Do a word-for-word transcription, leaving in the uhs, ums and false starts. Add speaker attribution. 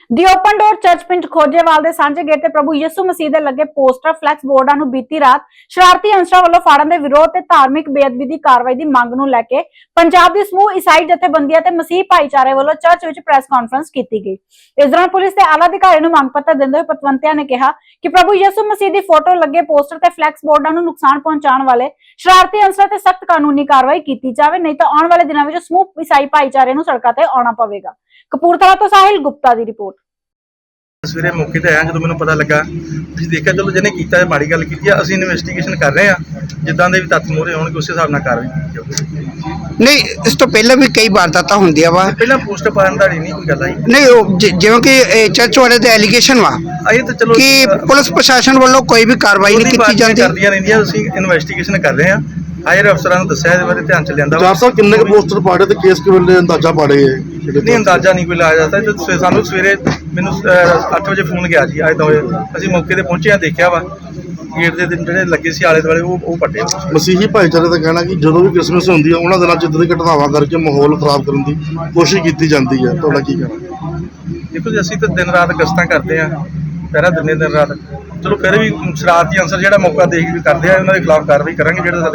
Speaker 1: दी open door church पिंड खोजेवाल दे सांझे gate ते प्रभु यीशु मसीह दे लगे पोस्टर फ्लैक्स बोर्डां नूं बीती रात शरारती अंसरां वल्लों फाड़न दे विरोध ते धार्मिक बेअदबी दी कार्रवाई दी मंग नूं लैके पंजाब दी समूह ईसाई जथेबंदियां ते मसीह भाईचारे वल्लों चर्च विच प्रेस कॉन्फ्रेंस कीती गई। इस दौरान पुलिस दे आला अधिकारी नूं मंग पत्र दिंदे होए पतवंतियां ने कहा कि प्रभु यीशु मसीह दी फोटो लगे पोस्टर ते फ्लैक्स बोर्डां नूं नुकसान पहुंचाउण वाले शरारती अंसरां ते सख्त कानूनी कार्रवाई कीती जावे, नहीं तो आउण वाले दिनां विच समूह ईसाई भाईचारे नूं सड़कां ते आउणा पवेगा। कपूरथला तो साहिल गुप्ता दी रिपोर्ट।
Speaker 2: सवेरे मौके ते आया जो मैं पता लगा ਅਸੀਂ ਦੇਖਿਆ ਚਲੋ ਜਿਹਨੇ ਕੀਤਾ ਹੈ ਮਾੜੀ ਗੱਲ ਕੀਤੀ ਹੈ ਅਸੀਂ ਇਨਵੈਸਟੀਗੇਸ਼ਨ ਕਰ ਰਹੇ ਹਾਂ ਜਿੱਦਾਂ ਦੇ ਵੀ ਤੱਥ ਮੋਰੇ ਹੋਣਗੇ ਉਸੇ ਹਿਸਾਬ ਨਾਲ ਕਾਰਵਾਈ ਕੀਤੀ ਜਾਊਗੀ।
Speaker 3: ਨਹੀਂ ਇਸ ਤੋਂ ਪਹਿਲਾਂ ਵੀ ਕਈ ਵਾਰਦਾਤਾਂ ਹੁੰਦੀਆਂ ਵਾ
Speaker 2: ਪਹਿਲਾਂ ਪੋਸਟ ਪਾਉਣ ਦਾ ਨਹੀਂ ਕੋਈ ਗੱਲ ਆਈ
Speaker 3: ਨਹੀਂ ਉਹ ਜਿ- ਜਿਵੇਂ ਕਿ ਇਹ ਚਰਚ ਵਾਲੇ ਦੇ ਐਲੀਗੇਸ਼ਨ ਵਾ
Speaker 2: ਆਏ ਤਾਂ ਚਲੋ
Speaker 3: ਕਿ ਪੁਲਿਸ ਪ੍ਰਸ਼ਾਸਨ ਵੱਲੋਂ ਕੋਈ ਵੀ ਕਾਰਵਾਈ ਨਹੀਂ ਕੀਤੀ ਜਾਂਦੀ
Speaker 2: ਕਰਦੀਆਂ ਰਹਿੰਦੀਆਂ ਅਸੀਂ ਇਨਵੈਸਟੀਗੇਸ਼ਨ ਕਰ ਰਹੇ ਹਾਂ ਹਾਇਰ ਅਫਸਰਾਂ ਨੂੰ ਦੱਸਿਆ ਇਹਦੇ ਬਾਰੇ ਧਿਆਨ ਚ ਲਿਆਂਦਾ
Speaker 4: ਚਾਰ ਸੌ ਕਿੰਨੇ ਕੁ ਪੋਸਟਰ ਪਾੜੇ ਤੇ ਕੇਸ ਕਿਵੇਂ ਅੰਦਾਜ਼ਾ ਪਾੜੇ ਹੈ
Speaker 2: ਨਹੀਂ ਅੰਦਾਜ਼ਾ ਨਹੀਂ ਕੋਈ ਲਾਇਆ ਜਾਂਦਾ ਤੇ ਸਾਨੂੰ ਸਵੇਰੇ ਮੈਨੂੰ ਅੱਠ ਵਜੇ ਫੋਨ ਗਿਆ ਜੀ ਅੱਜ ਤਾਂ ਅਸੀਂ ਮੌਕੇ ਤੇ ਪਹੁੰਚੇ ਆ ਦੇਖਿਆ ਵਾ ਗੇਟ ਦੇ ਦਿਨ ਜਿਹੜੇ ਲੱਗੇ ਸੀ ਆਲੇ ਦੁਆਲੇ ਉਹ ਉਹ ਪੱਟੇ।
Speaker 4: ਮਸੀਹੀ ਭਾਈਚਾਰੇ ਦਾ ਕਹਿਣਾ ਕਿ ਜਦੋਂ ਵੀ ਕ੍ਰਿਸਮਸ ਹੁੰਦੀ ਹੈ ਉਹਨਾਂ ਦਿਨਾਂ 'ਚ ਇੱਦਾਂ ਦੀ ਘਟਨਾਵਾਂ ਕਰਕੇ ਮਾਹੌਲ ਖਰਾਬ ਕਰਨ ਦੀ ਕੋਸ਼ਿਸ਼ ਕੀਤੀ ਜਾਂਦੀ ਹੈ, ਤੁਹਾਡਾ ਕੀ ਕਹਿਣਾ?
Speaker 2: ਦੇਖੋ ਜੀ ਅਸੀਂ ਤਾਂ ਦਿਨ ਰਾਤ ਗਸ਼ਤਾਂ ਕਰਦੇ ਆ ਪਹਿਰਾ ਦਿਨੇ ਦਿਨ ਰਾਤ, ਚਲੋ ਫਿਰ ਵੀ ਸ਼ਰਾਰਤੀ ਅਨਸਰ ਜਿਹੜਾ ਮੌਕਾ ਦੇਖ ਕੇ ਕਰਦੇ ਆ ਉਹਨਾਂ ਦੇ ਖਿਲਾਫ ਕਾਰਵਾਈ ਕਰਾਂਗੇ ਜਿਹੜੇ